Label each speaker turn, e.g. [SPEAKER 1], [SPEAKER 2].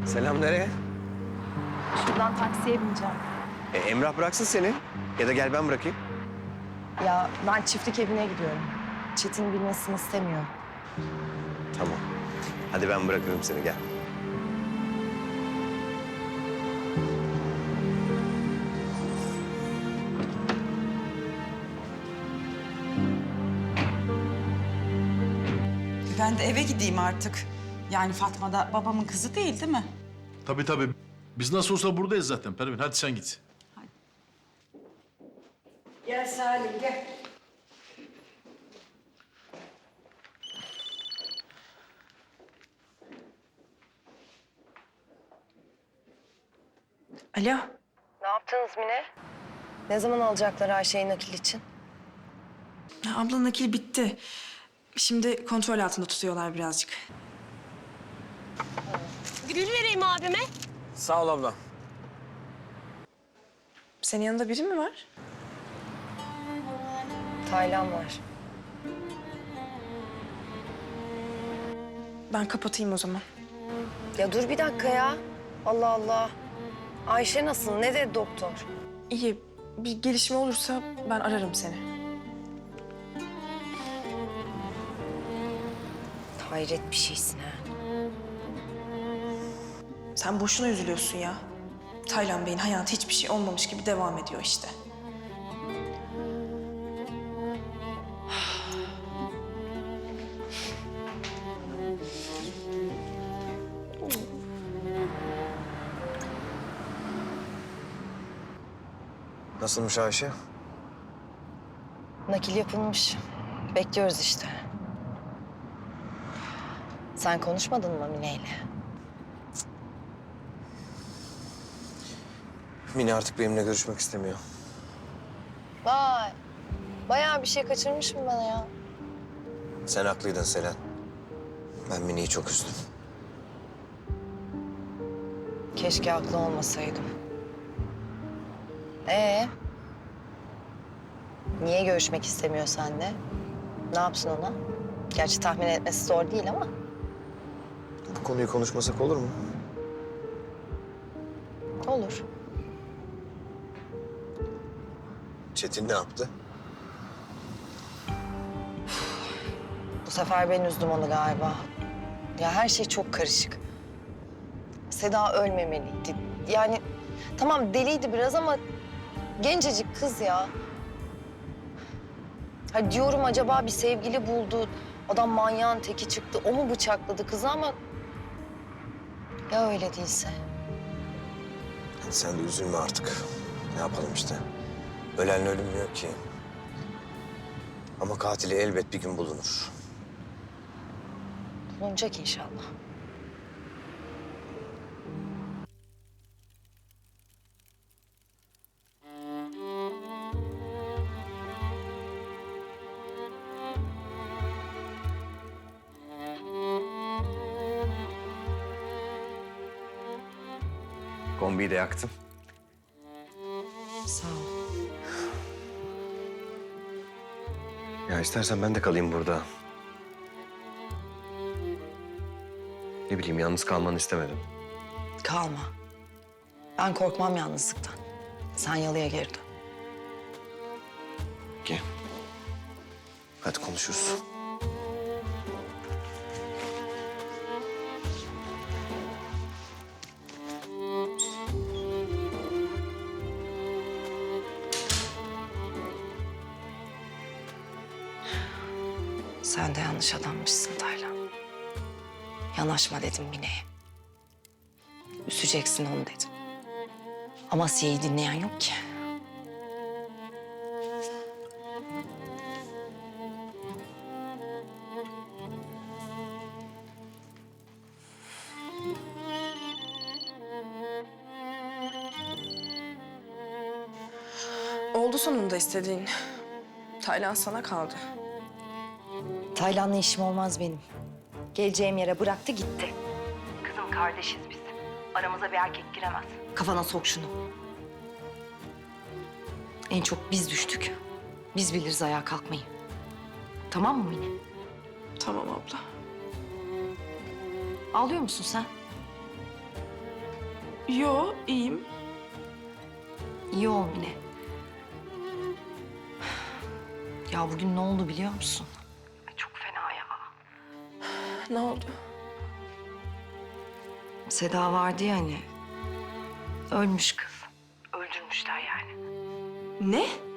[SPEAKER 1] Selam, nereye?
[SPEAKER 2] Şuradan taksiye bineceğim.
[SPEAKER 1] Emrah bıraksın seni. Ya da gel ben bırakayım.
[SPEAKER 2] Ya ben çiftlik evine gidiyorum. Çetin bilmesini istemiyor.
[SPEAKER 1] Tamam. Hadi ben bırakırım seni, gel.
[SPEAKER 3] Ben de eve gideyim artık. Yani Fatma da babamın kızı değil mi?
[SPEAKER 4] Tabii tabii. Biz nasıl olsa buradayız zaten Pervin. Hadi sen git.
[SPEAKER 3] Gel Salim gel.
[SPEAKER 2] Alo. Ne yaptınız Mine? Ne zaman alacaklar Ayşe'yi nakil için?
[SPEAKER 5] Ya abla nakil bitti. Şimdi kontrol altında tutuyorlar birazcık.
[SPEAKER 6] Gül vereyim abime.
[SPEAKER 1] Sağ ol abla.
[SPEAKER 5] Senin yanında biri mi var?
[SPEAKER 2] Taylan var.
[SPEAKER 5] Ben kapatayım o zaman.
[SPEAKER 2] Ya dur bir dakika ya. Allah Allah. Ayşe nasıl? Ne dedi doktor?
[SPEAKER 5] İyi. Bir gelişme olursa ben ararım seni.
[SPEAKER 2] Hayret bir şeysin ha.
[SPEAKER 5] Sen boşuna üzülüyorsun ya. Taylan Bey'in hayatı hiçbir şey olmamış gibi devam ediyor işte.
[SPEAKER 1] Nasılmış Ayşe?
[SPEAKER 2] Nakil yapılmış. Bekliyoruz işte. Sen konuşmadın mı Mine'yle?
[SPEAKER 1] Mine artık benimle görüşmek istemiyor.
[SPEAKER 2] Vay. Bayağı bir şey kaçırmışım ben ya.
[SPEAKER 1] Sen haklıydın Selen. Ben Mine'yi çok üzdüm.
[SPEAKER 2] Keşke haklı olmasaydım. Niye görüşmek istemiyor seninle? Ne yapsın ona? Gerçi tahmin etmesi zor değil ama.
[SPEAKER 1] Bu konuyu konuşmasak olur mu?
[SPEAKER 2] Olur.
[SPEAKER 1] Çetin ne yaptı?
[SPEAKER 2] Bu sefer ben üzdüm onu galiba. Ya her şey çok karışık. Seda ölmemeliydi. Yani tamam deliydi biraz ama gencecik kız ya. Ha diyorum acaba bir sevgili buldu. Adam manyağın teki çıktı. O mu bıçakladı kızı ama... Ya öyle değilse?
[SPEAKER 1] Hadi sen de üzülme artık. Ne yapalım işte. Ölenle ölünmüyor ki. Ama katili elbet bir gün bulunur.
[SPEAKER 2] Bulunacak inşallah.
[SPEAKER 1] Kombiyi de yaktım.
[SPEAKER 2] Sağ ol.
[SPEAKER 1] Ya istersen ben de kalayım burada. Ne bileyim, yalnız kalmanı istemedim.
[SPEAKER 2] Kalma. Ben korkmam yalnızlıktan. Sen yalıya geri dön.
[SPEAKER 1] Gel. Hadi konuşuruz.
[SPEAKER 2] Sen de yanlış adammışsın Taylan. Yanaşma dedim Mine'ye. Üseceksin onu dedim. Ama Asiye'yi dinleyen yok ki.
[SPEAKER 5] Oldu sonunda istediğin. Taylan sana kaldı.
[SPEAKER 2] Taylan'la işim olmaz benim. Geleceğim yere bıraktı gitti. Kızım kardeşiz biz. Aramıza bir erkek giremez. Kafana sok şunu. En çok biz düştük. Biz biliriz ayağa kalkmayı. Tamam mı Mine?
[SPEAKER 5] Tamam abla.
[SPEAKER 2] Ağlıyor musun sen?
[SPEAKER 5] Yo, iyiyim.
[SPEAKER 2] İyi ol Mine. Ya bugün ne oldu biliyor musun? Çok fena ya.
[SPEAKER 5] Ne oldu?
[SPEAKER 2] Seda vardı ya hani. Ölmüş kız. Öldürmüşler yani.
[SPEAKER 5] Ne?